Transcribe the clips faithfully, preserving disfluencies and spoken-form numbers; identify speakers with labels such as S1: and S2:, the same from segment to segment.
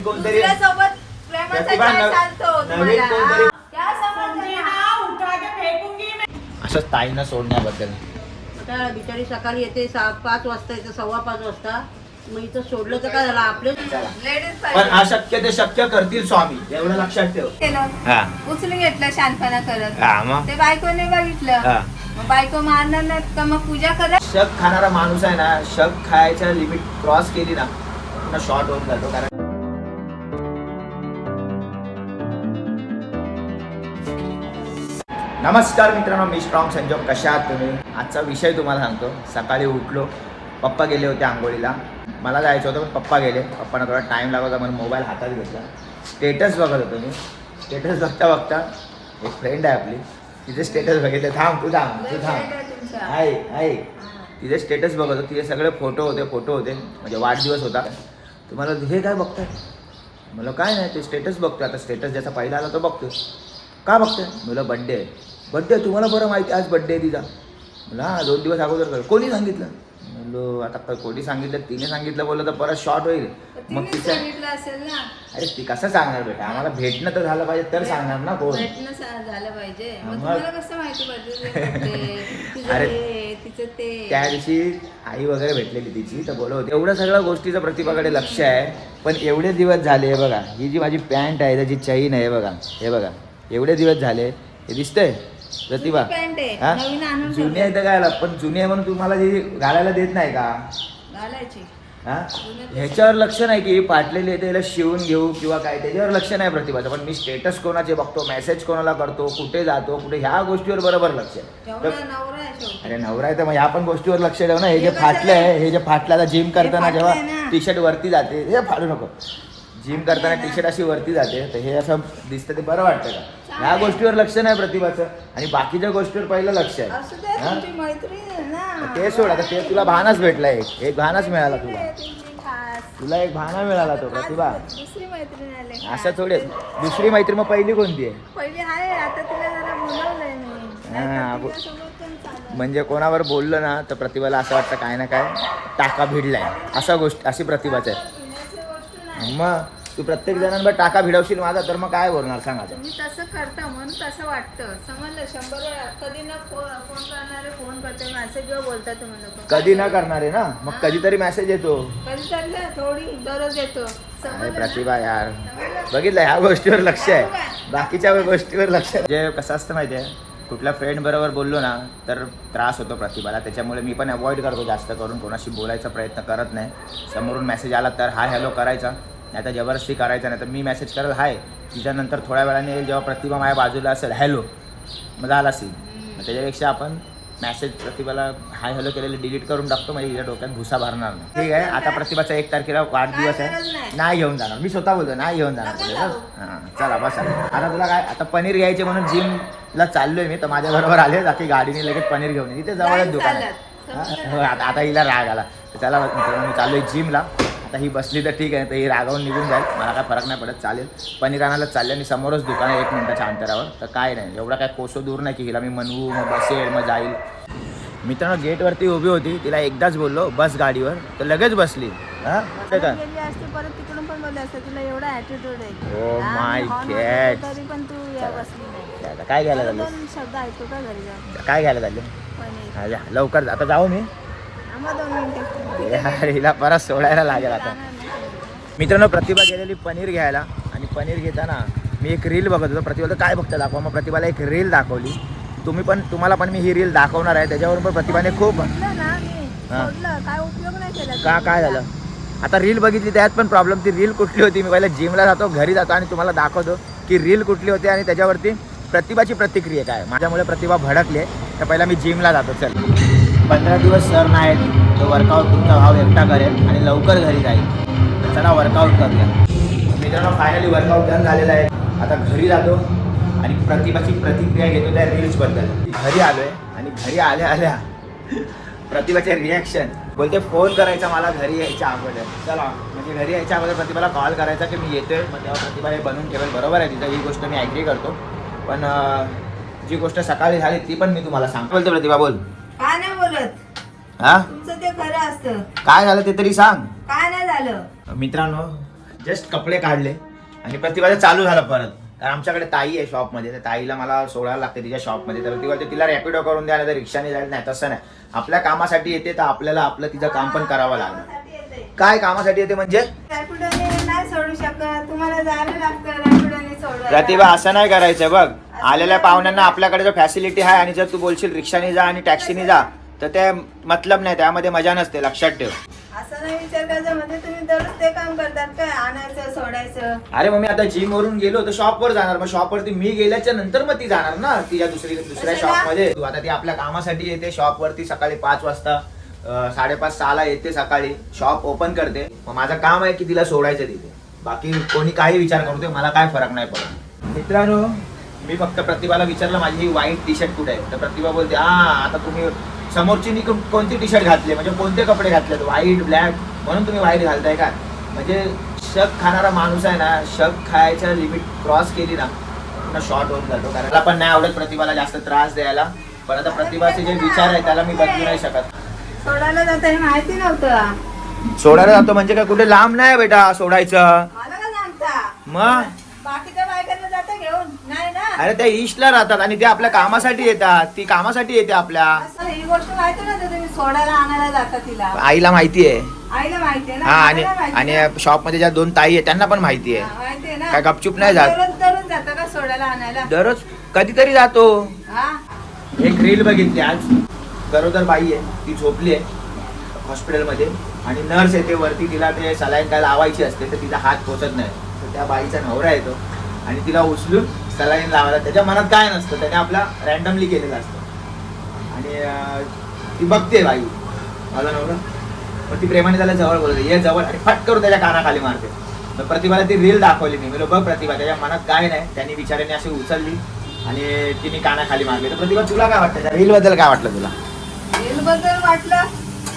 S1: कोणतरी
S2: सोबत प्रेमाचा काय चालतो तुम्हाला क्या समजलं
S1: असंच ताईनं सोडण्याबद्दल.
S3: आता बिचारी सकाळी येते सहा पाच वाजता येते सव्वा पाच वाजता मग इथं सोडलं तर काय झालं आपले
S2: लेडीज
S1: पण अशक्य ते शक्य करतील स्वामी एवढं लक्षात ठेव. हा
S2: उचलून घेतलं शानपणा करत
S1: हा मग
S2: ते बायकोने बघितलं
S1: हा.
S2: मग बायको मारणार नाही का मग पूजा करा.
S1: शक खाणारा माणूस आहे ना शक खायच्या लिमिट क्रॉस केली ना पुन्हा शॉर्ट होऊन जातो. कारण नमस्कार मित्रांनो, मी स्ट्रॉंग संजोग. कशा आहात तुम्ही? आजचा विषय तुम्हाला सांगतो. सकाळी उठलो, पप्पा गेले होते आंघोळीला, मला जायचं होतं पण पप्पा गेले. पप्पांना थोडा टाईम लागत होता म्हणून मोबाईल हातात घेतला. स्टेटस बघत होतो मी. स्टेटस बघता बघता एक फ्रेंड आहे आपली, तिचे स्टेटस बघितले. थांब तू थांब तू थांब आहे आहे तिचे स्टेटस बघत होतो. तिचे सगळे फोटो होते फोटो होते म्हणजे वाढदिवस होता. तुम्हाला हे काय बघताय? मला काय नाही, ते स्टेटस बघतोय. आता स्टेटस ज्याचा पहिला आला तो बघतोय. का बघतोय? मला बड्डे आहे. बड्डे तुम्हाला बरं माहिती आज बड्डे आहे तिचा. मला हा दोन दिवस अगोदर कर कोणी सांगितलं? म्हणलो आता कोणी सांगितलं? तिने सांगितलं बोललं तर परत शॉर्ट होईल. मग तिचं
S2: सांगितलं असेल ना.
S1: अरे ती कसं सांगणार बेटा? आम्हाला भेटणं तर झालं पाहिजे तर सांगणार ना कोण.
S2: भेटणं सा- झालं पाहिजे. मग
S1: मग-
S2: तुम्हाला कसं माहिती पाहिजे
S1: अरे,
S2: तिचं ते
S1: त्या दिवशी आई वगैरे भेटलेली तिची तर बोलत होती. एवढ्या सगळ्या गोष्टीचं प्रतिभाकडे लक्ष आहे. पण एवढे दिवस झाले बघा, ही जी माझी पॅन्ट आहे त्याची चैन आहे बघा, हे बघा एवढे दिवस झाले हे दिसतंय प्रतिभा.
S2: पॅन्ट आहे
S1: हा?
S2: नवीन आणून
S1: जुनी आहे तर काय, पण जुनी आहे म्हणून तुम्हाला जी घालायला देत नाही का?
S2: घालायची.
S1: हा ह्याच्यावर लक्ष नाही की फाटलेली आहे त्याला शिवून घेऊ किंवा काय, त्याच्यावर लक्ष नाही प्रतिभाचं. पण मी स्टेटस कोणाचे बघतो, मेसेज कोणाला करतो, कुठे जातो कुठे, ह्या गोष्टीवर बरोबर लक्ष आहे.
S2: तेवढा
S1: तर-
S2: नवरा आहे शेवटी.
S1: अरे नवरा आहे तर मग ह्या पण गोष्टीवर लक्ष ठेव ना. हे जे
S2: हे कसं
S1: फाटलं आहे, हे जे फाटलं आता जिम करताना
S2: फाटलंय
S1: जेव्हा
S2: ना.
S1: टी शर्ट वरती जाते हे फाडू नको. जिम करताना टी शर्ट अशी वरती जाते तर हे असं दिसतं ते बरं वाटतं का? ह्या गोष्टीवर लक्ष नाही प्रतिभाचं आणि बाकीच्या गोष्टीवर पहिलं लक्ष आहे.
S2: असू दे,
S1: हा?
S2: तुमची मैत्रीण आहे ना.
S1: ते सोड, आता ते तुला भानच भेटला. एक एक भानच मिळाला तुला.
S2: ते तुमची खास.
S1: तुला एक भाना मिळाला तो प्रतिभा.
S2: आज दुसरी मैत्रीण आली.
S1: असं थोडे दुसरी मैत्री मग पहिली कोणती आहे?
S2: पहिली आहे, आता तिला जरा बोलवलंय मी.
S1: हा,
S2: नाहीतर
S1: बो-
S2: तिच्यासोबत पण चालेल.
S1: म्हणजे कोणावर बोललं ना तर प्रतिभाला असं वाटतं काय ना काय टाका भिडलाय, असा गोष्ट अशी प्रतिभाच आहे.
S2: भिण्याची गोष्ट नाही.
S1: मग तू प्रत्येक जणांवर टाका भिडवशील माझा तर मग काय बोलणार सांगा.
S2: तुम्ही तसं करता म्हणून तसं वाटतं. समजलं? शंभर वेळा कधी ना फो- फोन करणारे फोन करते, मेसेज किंवा बोलता तुम्ही लोक.
S1: कधी न करणारे ना, मग कधीतरी मेसेज येतो.
S2: कधी तरी ना, थोडी दररोज येतो.
S1: अरे
S2: समजलं ना?
S1: प्रतिभा यार,
S2: समजलं?
S1: बघितलं ह्या गोष्टीवर लक्ष आहे, बाकीच्या गोष्टीवर लक्ष आहे. जे कसं असतं माहिती आहे, कुठल्या फ्रेंड बरोबर बोललो ना तर त्रास होतो प्रतिभाला. त्याच्यामुळे मी पण अवॉइड करतो जास्त करून, कोणाशी बोलायचा प्रयत्न करत नाही. समोरून मेसेज आला तर हाय हॅलो करायचा, नाही तर जबरदस्ती करायचा नाही. तर मी मेसेज करेल हाय, तिच्यानंतर थोड्या वेळाने जेव्हा प्रतिभा माझ्या बाजूला असेल हॅलो, मग झाला सीन. मग त्याच्यापेक्षा आपण मॅसेज प्रतिभाला हाय हॅलो केलेले डिलीट करून टाकतो, म्हणजे हिच्या डोक्यात भुसा भरणार नाही. ठीक आहे. आता प्रतिभाचा एक तारखेला वाढदिवस
S2: काय गरज
S1: आहे,
S2: नाही.
S1: नाही घेऊन जाणार मी, स्वतः बोलतो नाही घेऊन जाणार.
S2: नका
S1: बोलले
S2: जाऊ.
S1: बस. हां चला बसा. आता तुला काय, आता पनीर घ्यायचे म्हणून जिमला चाललोय मी, तर माझ्याबरोबर आले बाकी गाडीने लगेच पनीर घेऊन ये. इथे जवळच
S2: नाही
S1: दुकान आहे.
S2: चालत.
S1: हां, हो, आता आता हिला राग आला तर चला मित्रांनो, मी चाललोय जिमला. आता ही बसली तर ठीक आहे, तर ही रागावून निघून जाईल, मला काय फरक नाही पडत, चालेल. पनीर आणायला चालले आणि समोरच दुकान आहे एक मिनिटाच्या अंतरावर, तर काय नाही एवढा काय कोसो दूर नाही की हिला मी म्हणवू मग बसेल मग जाईल. मित्रांनो गेटवरती उभी होती, तिला एकदाच बोललो बस गाडीवर, तर लगेच बसली. हां ते का
S2: गेली असते परत तिकडून पण बोलले असते, तुला एवढा ॲटिट्यूड आहे.
S1: Oh
S2: हा,
S1: my
S2: मी horn
S1: God.
S2: वाजवतो तरी पण तू या बसली नाही.
S1: आता काय घ्यायला
S2: मला
S1: झालं?
S2: दोन शब्द ऐकू का घरी जाऊन?
S1: काय घ्यायला झालं?
S2: पनीर.
S1: हा, जा, लवकर जा. आता जाऊ मी.
S2: आम्हा दोन मिनिटं.
S1: यार, हिला परत सोडायला लागेल आता.
S2: जाणार नाही.
S1: मित्रांनो प्रतिभा गेलेली पनीर घ्यायला, आणि पनीर घेताना मी एक रील बघत होतो. प्रतिभाला काय बघता दाखवा, मग प्रतिभाला एक रील दाखवली. तुम्ही पण तुम्हाला पण मी ही रील दाखवणार आहे. त्याच्यावरून पण प्रतिभाने खूप
S2: सोडलं ना मी,
S1: हा.
S2: सोडलं. काय उपयोग नाही केला.
S1: का काय झालं. आता रील बघितली त्यात पण प्रॉब्लेम. ती रील कुठली होती, मी पहिला जिमला जातो घरी जातो आणि तुम्हाला दाखवतो की रील कुठली होती आणि त्याच्यावरती प्रतिभाची प्रतिक्रिया काय. माझ्यामुळे प्रतिभा भडकली आहे, तर पहिला मी जिमला जातो. चल, पंधरा दिवस सर नाहीत, तो वर्कआउट तुमचा भाव एकटा करेल आणि लवकर घरी जाईल. तर चला वर्कआउट करूया. मित्रांनो फायनली वर्कआउट डन झालेला आहे. आता घरी जातो आणि प्रतिभाची प्रतिक्रिया घेतो त्या रील्सबद्दल. घरी आलो आहे आणि घरी आल्या आल्या प्रतिभाचे रिॲक्शन बोलते फोन करायचा मला घरी यायच्या अगोदर. चला म्हणजे घरी यायच्या अगोदर प्रतिभाला कॉल करायचा की मी येतोय, मग तेव्हा प्रतिभा हे बनवून ठेवेल. बरोबर आहे तिथं, ही गोष्ट मी ॲग्री करतो. पण जी गोष्ट सकाळी झाली ती पण मी तुम्हाला सांगतो. बोलते प्रतिभा बोल.
S2: काय नाही बोलत,
S1: हा
S2: तुमचं ते खरं असतं.
S1: काय झालं ते तरी सांग.
S2: काय नाही झालं.
S1: मित्रांनो जस्ट कपडे काढले आणि प्रतिभाचं चालू झालं परत. कारण आमच्याकडे ताई आहे शॉपमध्ये, तर ताईला मला सोडायला लागते तिच्या शॉपमध्ये. तर ती बोलते तिला रॅपिडो करून द्या, नाही तर रिक्षाने जायला. नाही तसं नाही, आपल्या कामासाठी येते तर आपल्याला आपलं तिचं काम पण करावं लागणार. काय कामासाठी येते म्हणजे?
S2: रॅपिडोने नाही सोडू शकत, तुम्हाला जायला लागतं रॅपिडोने सोडायला.
S1: प्रतिभा असं नाही करायचं बघ. आलेल्या पाहुण्यांना आपल्याकडे जर फॅसिलिटी आहे आणि जर तू बोलशील रिक्षाने जा आणि टॅक्सीने जा तर ते मतलब नाही, त्यामध्ये मजा नसते, लक्षात ठेव.
S2: असं नाही विचार करायचा म्हणजे तुम्ही दररोज ते काम करतात काय, आणायचं सोडायचं.
S1: अरे मग मी आता जिम वरून गेलो तर शॉपवर जाणार, मग शॉपवरती मी गेल्याच्या नंतर मग ती जाणार ना तिच्या दुसरी दुसऱ्या
S2: कशाला?
S1: शॉपमध्ये. तू आता ती आपल्या कामासाठी येते शॉपवरती, सकाळी पाच वाजता अं, साडेपाच सहाला येते, सकाळी शॉप ओपन करते. मग माझं काम आहे की तिला सोडायचं तिथे. बाकी कोणी काही विचार करतो मला काय फरक नाही पडत. मित्रांनो, मी फक्त प्रतिभाला विचारलं माझी ही व्हाईट टी शर्ट कुठे आहे, तर प्रतिभा बोलते हा आता तुम्ही समोरची नी कोणती टी शर्ट घातली, म्हणजे कोणते कपडे घातलेत, व्हाईट ब्लॅक, म्हणून तुम्ही व्हाईट घालताय का. म्हणजे शक खाणारा माणूस आहे ना, शक खायच्या लिमिट क्रॉस केली ना पुन्हा शॉर्ट होऊन जातो. कारण मला पण नाही आवडत प्रतिभाला जास्त त्रास द्यायला, पण आता प्रतिभाचे जे विचार आहे त्याला मी बदलू नाही शकत.
S2: सोडायला जातं हे माहिती नव्हतं.
S1: सोडायला जातो म्हणजे काय कुठे लांब नाही बेटा सोडायचं.
S2: मला का सांगता,
S1: मग
S2: बाकीच्या बायकांना जातं घेऊन नाही ना.
S1: अरे त्या ईस्टला राहतात आणि ते आपल्या कामासाठी येतात, ती कामासाठी येते आपल्या.
S2: असं ही गोष्ट माहिती नव्हतं तुम्ही सोडायला आणायला जाता तिला.
S1: आईला माहिती आहे.
S2: आईला माहितीये ना.
S1: हा, आणि
S2: आम्हाला माहिती
S1: आणि
S2: ना.
S1: शॉप मध्ये ज्या दोन ताई आहेत त्यांना पण माहिती
S2: हा,
S1: आहे.
S2: माहितीये ना.
S1: काय गपचूप नाही जात.
S2: दररोज दररोज जाता का सोडायला आणायला.
S1: दररोज कधीतरी जातो.
S2: हा
S1: एक रील बघितली आज, गरोदर बाई आहे ती झोपली आहे हॉस्पिटलमध्ये आणि नर्स येते वरती, तिला ते सलाईन काय लावायची असते तर तिचा हात पोचत नाही, तर त्या बाईचा नवरा येतो आणि तिला उचलून सलाईन लावायला. त्याच्या मनात काय नसतं, त्याने आपला रॅन्डमली केलेलं असतं आणि अं, ती बघते बाई माझा नवरा, मग ती प्रेमाने त्याला जवळ बोलते ये जवळ आणि फट करून त्याच्या कानाखाली मारते. तर प्रतिभाला ती रील दाखवली मी, मी बघ प्रतिभा त्याच्या मनात काय नाही, त्यांनी बिचाऱ्याने अशी उचलली आणि तिने कानाखाली मारली. तर प्रतिभा तुला काय वाटतं त्या रील बद्दल, काय वाटलं तुला?
S2: रील बद्दल वाटलं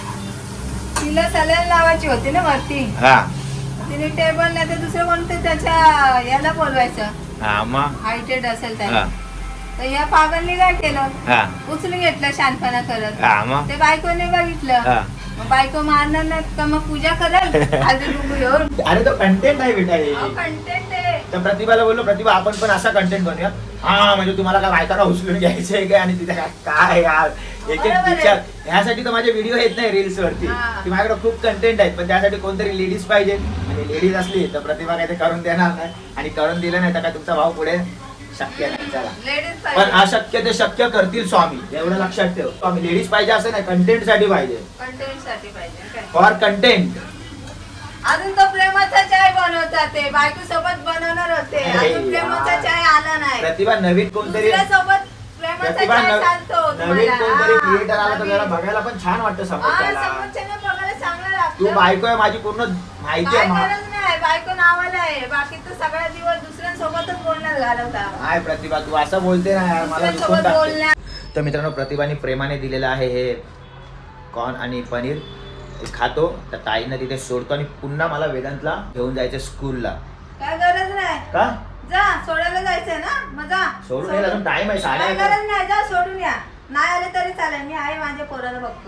S2: तिला सलाईन लावायची होती ना वरती,
S1: हा
S2: तिने टेबल नाही तर दुसरं कोणतं त्याच्या याला बोलवायचं
S1: हा मग
S2: हायटेड असेल
S1: हा
S2: त्याला. तर या पागलने काय केलं,
S1: हा
S2: उचलून घेतलं शानपणा करत.
S1: हा मग
S2: ते बायकोने बघितलं,
S1: हा.
S2: मग बायको मारणार नाही का, मग पूजा कराल हळदी कुंकू घेऊन.
S1: अरे तो कंटेंट आहे बेटा हे.
S2: कंटेंट आहे.
S1: तर प्रतिभाला बोललो प्रतिभा आपण पण असा कंटेंट बनवूया. हा म्हणजे तुम्हाला काय बायकांना उचलून घ्यायचंय काय आणि तिथे काय काय यार एक एक
S2: बरोबर आहे.
S1: विचार. ह्यासाठी तर माझे व्हिडिओ येत नाही रील्स वरती,
S2: हा.
S1: की माझ्याकडे खूप कंटेंट आहेत, पण त्यासाठी कोणतरी लेडीज पाहिजे आणि लेडीज असली तर प्रतिभा काय ते करून देणार नाही, आणि करून दिलं नाही तर काय तुमचा भाऊ पुढे शक्य नाही. चला
S2: लेडीज
S1: पण
S2: पाहिजे,
S1: अशक्य ते शक्य करतील स्वामी, एवढं लक्षात ठेव. स्वामी लेडीज पाहिजे असं नाही, कंटेंट साठी पाहिजे,
S2: कंटेंट साठी पाहिजे काय.
S1: For content.
S2: अजून तो प्रेमाचा चाय बनवतात ते, बायको सोबत बनवणार होते,
S1: अरे
S2: अजून प्रेमाचा
S1: यार.
S2: चाय आला नाही.
S1: प्रतिभा नवीन कोणतरी
S2: दुसऱ्या सोबत प्रेमाचा
S1: प्रतिभा
S2: चाय
S1: नव-
S2: चालतो
S1: नवीन
S2: तुम्हाला.
S1: कोणतरी
S2: हा,
S1: क्रिएटर आला तर
S2: नवीन.
S1: जरा बघायला पण छान वाटतं
S2: हा,
S1: समोरच्याला.
S2: समोरच्याला बघायला चांगलं
S1: तू
S2: लागतं.
S1: बायको आहे माझी पूर्ण माहिती
S2: काय
S1: आहे मा-
S2: गरज नाही, बायको नावाला आहे, बाकी तर सगळा दिवस दुसऱ्यांसोबतच बोलण्यात घालवता.
S1: काय प्रतिभा तू असं बोलते ना यार, मला दुखून
S2: दुसऱ्यांसोबत
S1: टाकते.
S2: बोलण्या
S1: तर मित्रांनो प्रतिभाने प्रेमाने दिलेलं आहे हे कॉर्न आणि पनीर, ते खातो. तर ताईनं तिथे सोडतो आणि पुन्हा मला वेदांतला घेऊन जायचं स्कूलला.
S2: काय गरज नाही,
S1: का
S2: जा सोडायला जायचंय ना, मग जा.
S1: सोडून यायला अजून टाइम आहे, साडे
S2: काय
S1: अकरा.
S2: गरज नाही, जा सोडून या. नाही आले तरी चालेल, मी आहे माझ्या पोराला बघतो.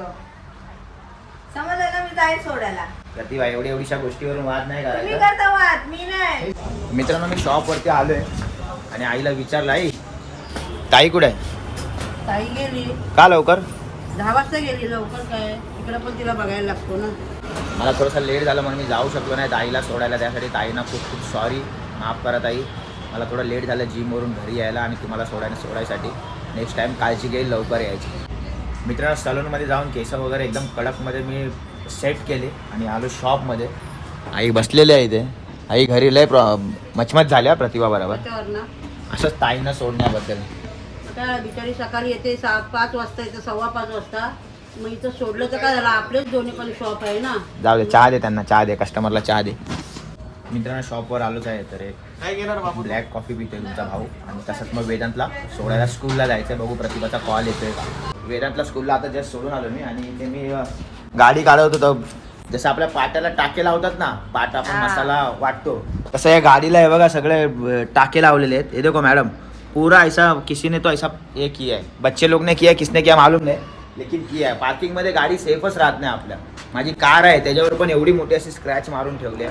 S2: समजलं ना, मी जाईल सोडायला.
S1: प्रतिभा एवढी एवढीशा गोष्टीवरून वाद नाही
S2: तुम्ही
S1: करायचा.
S2: करता वाद, मी नाही.
S1: मित्रांनो मी शॉपवरती आलोय आणि आईला विचारलं आई ताई कुठे आहे?
S3: ताई गेली
S1: का लवकर?
S3: दहा वाजता गेली, लवकर काय इकडे पण तिला बघायला लागतो ना.
S1: मला थोडंसं लेट झालं म्हणून मी जाऊ शकलो नाही ताईला सोडायला, त्यासाठी ताईंना खूप खूप सॉरी, माफ करा ताई. मला थोडं लेट झालं जिमवरून घरी यायला आणि तुम्हाला सोडायला सोडायसाठी. नेक्स्ट टाईम काळजी घेईल, लवकर यायची. मित्रांनो सलूनमध्ये जाऊन केस वगैरे एकदम कडकमध्ये मी सेट केले आणि आलो शॉपमध्ये. आई बसलेली आहे इथे. आई घरी लय प्रॉ मचमच झाल्या प्रतिभा बरोबर,
S3: त्याच्यावर ना
S1: असंच ताईंना सोडण्याबद्दल.
S3: आता बिचारी सकाळी येते सहा पाच वाजता येते, सव्वा पाच वाजता. मग इथं सोडलं तर काय झालं, आपलेच दोन्ही पण शॉप आहे ना.
S1: जाऊ दे, चहा दे त्यांना, चहा दे, कस्टमरला चहा दे. मित्रांनो शॉपवर आलोच आहे, तर एक ब्लॅक कॉफी पितोय तुमचा भाऊ आणि तसंच मग वेदांतला सोडायला स्कूलला जायचं आहे. बघू प्रतिभाचा कॉल येतोय का. वेदांतला स्कूलला आता जस्ट सोडून आलो मी आणि इथे मी अ, गाडी काढत होतो. जसं आपल्या पाट्याला टाके लावतात ना, पाट आपण
S2: हा.
S1: मसाला वाटतो तसं या गाडीला हे बघा सगळे अ, टाके लावलेले आहेत. हे देखो मॅडम, पूरा ऐसा किसी ने तो ऐसा ये किया है, बच्चे लोग ने किया, किसने किया मालूम नहीं, लेकिन किया आहे. पार्किंगमध्ये गाडी सेफच राहत नाही आपल्या. माझी कार आहे त्याच्यावर पण एवढी मोठी अशी स्क्रॅच मारून ठेवली आहे.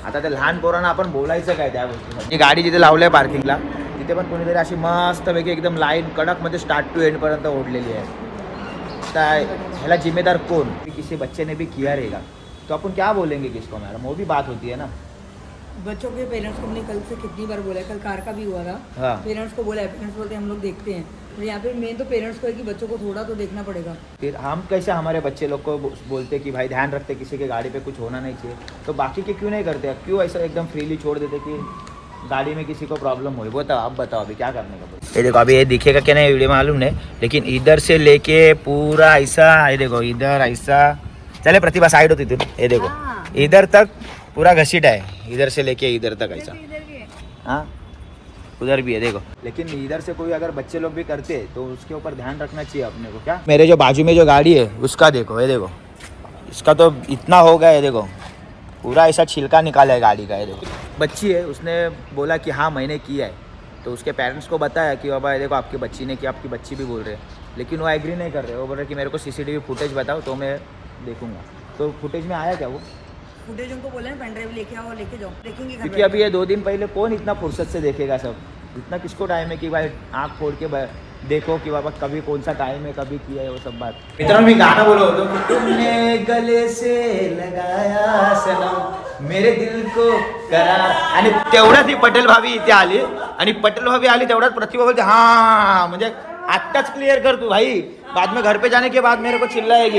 S1: आता त्या लहान पोरांना आपण बोलायचं काय त्या गोष्टीसाठी. गाडी जिथे लावली आहे पार्किंगला तिथे पण कोणीतरी अशी मस्तपैकी एकदम लाईन कडकमध्ये स्टार्ट टू एंड पर्यंत ओढलेली आहे. तर ह्याला जिम्मेदार कोण? किसी बच्चे ने भी किया रहेगा तो अपन क्या बोलेंगे किसको मैडम? वो भी बात होती है ना.
S4: बच्चों के पेरेंट्स को हमने कल से कितनी बार बोला है, कल कार का भी हुआ था.
S1: हाँ.
S4: पेरेंट्स को बोला है, पेरेंट्स बोलते हैं हम लोग देखते हैं. तो यहाँ पे मेन तो पेरेंट्स को है कि बच्चों को थोड़ा तो देखना पड़ेगा.
S1: फिर हम कैसे हमारे बच्चे लोग को बोलते कि भाई ध्यान रखते किसी के गाड़ी पे कुछ होना नहीं चाहिए, तो बाकी के क्यों नहीं करते? क्यों ऐसा एकदम फ्रीली छोड़ देते कि गाड़ी में किसी को प्रॉब्लम हो? बताओ, अब बताओ अभी क्या करने का. ये देखो अभी ये दिखेगा क्या नहीं वीडियो मालूम नहीं, लेकिन इधर से लेके पूरा ऐसा, ये देखो इधर ऐसा. चले प्रतिभा साइड होती थी. ये देखो इधर तक पूरा घसीटा है, इधर से लेके इधर तक ऐसा. हाँ उधर भी है देखो. लेकिन इधर से कोई अगर बच्चे लोग भी करते तो उसके ऊपर ध्यान रखना चाहिए अपने को. क्या मेरे जो बाजू में जो गाड़ी है उसका देखो, ये देखो इसका तो इतना हो गया है, देखो पूरा ऐसा छिलका निकाला है गाड़ी का. ये देखो बच्ची है, उसने बोला कि हाँ मैंने किया है, तो उसके पेरेंट्स को बताया कि बाबा ये देखो आपकी बच्ची ने किया, आपकी बच्ची भी बोल रहे हैं, लेकिन वो एग्री नहीं कर रहे. वो बोल रहे कि मेरे को सीसीटीवी फुटेज बताओ तो मैं देखूंगा. तो फुटेज में आया क्या वो?
S4: फुटेज उनको बोले ना पेन ड्राइव लेके आओ, लेके जाओ, देखेंगे घर
S1: क्योंकि अभी ये दो दिन पहले कौन इतना फुर्सत से देखेगा सब? इतना किसको टाइम है कि भाई आँख फोड़ के ब- देखो कि बाबा कभी कौन सा टाइम है, कभी किया है वो सब बात. मित्रांनो मी गाणं बोलत होतो की तुमने गले से लगाया सनम मेरे दिल को करा. आणि तेवढ्यात ही पटेल भाभी इथे आली आणि पटेल भाभी आली तेवढ्यात प्रतिभा बोलते हा, म्हणजे आत्ताच क्लिअर कर तू भाई, बाद में घर पे जाने के बाद मेरे को चिल्लाएगी.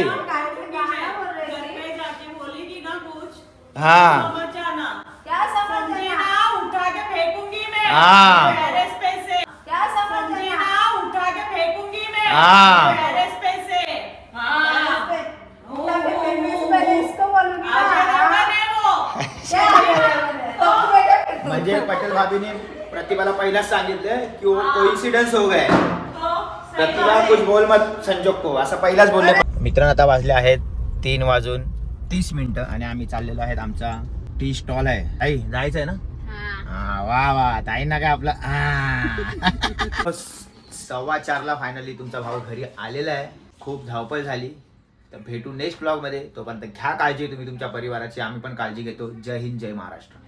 S1: हाँ
S2: क्या समझ
S5: उठा के फेंकूंगी मैं
S1: हाँ.
S5: टेरेस पे से.
S2: क्या समझ
S5: समझी ना, उठा के फेंकूंगी मैं
S1: हाँ.
S5: टेरेस पे से. हाँ.
S2: इसको बोलूंगी
S5: आज लगा दे वो.
S1: म्हणजे पटेल भाभीने प्रतिभाला पहिलाच सांगितलं की वो कोइन्सिडन्स हो गया. प्रतिभा कुछ बोल मत संजोग को, असं पहिलाच बोलले. मित्रांनो आता वाजले आहेत तीन वाजून तीस मिनिटं आणि आम्ही चाललेलो आहेत आमचा टी स्टॉल आहे. आई जायचं आहे ना? हा वा वा ताईंना काय आपला हा. सव्वा चारला फायनली तुमचा भाऊ घरी आलेला आहे. खूप धावपळ झाली. तर भेटू नेक्स्ट ब्लॉग मध्ये. तोपर्यंत घ्या काळजी तुम्ही तुमच्या परिवाराची, आम्ही पण काळजी घेतो. जय हिंद, जय महाराष्ट्र.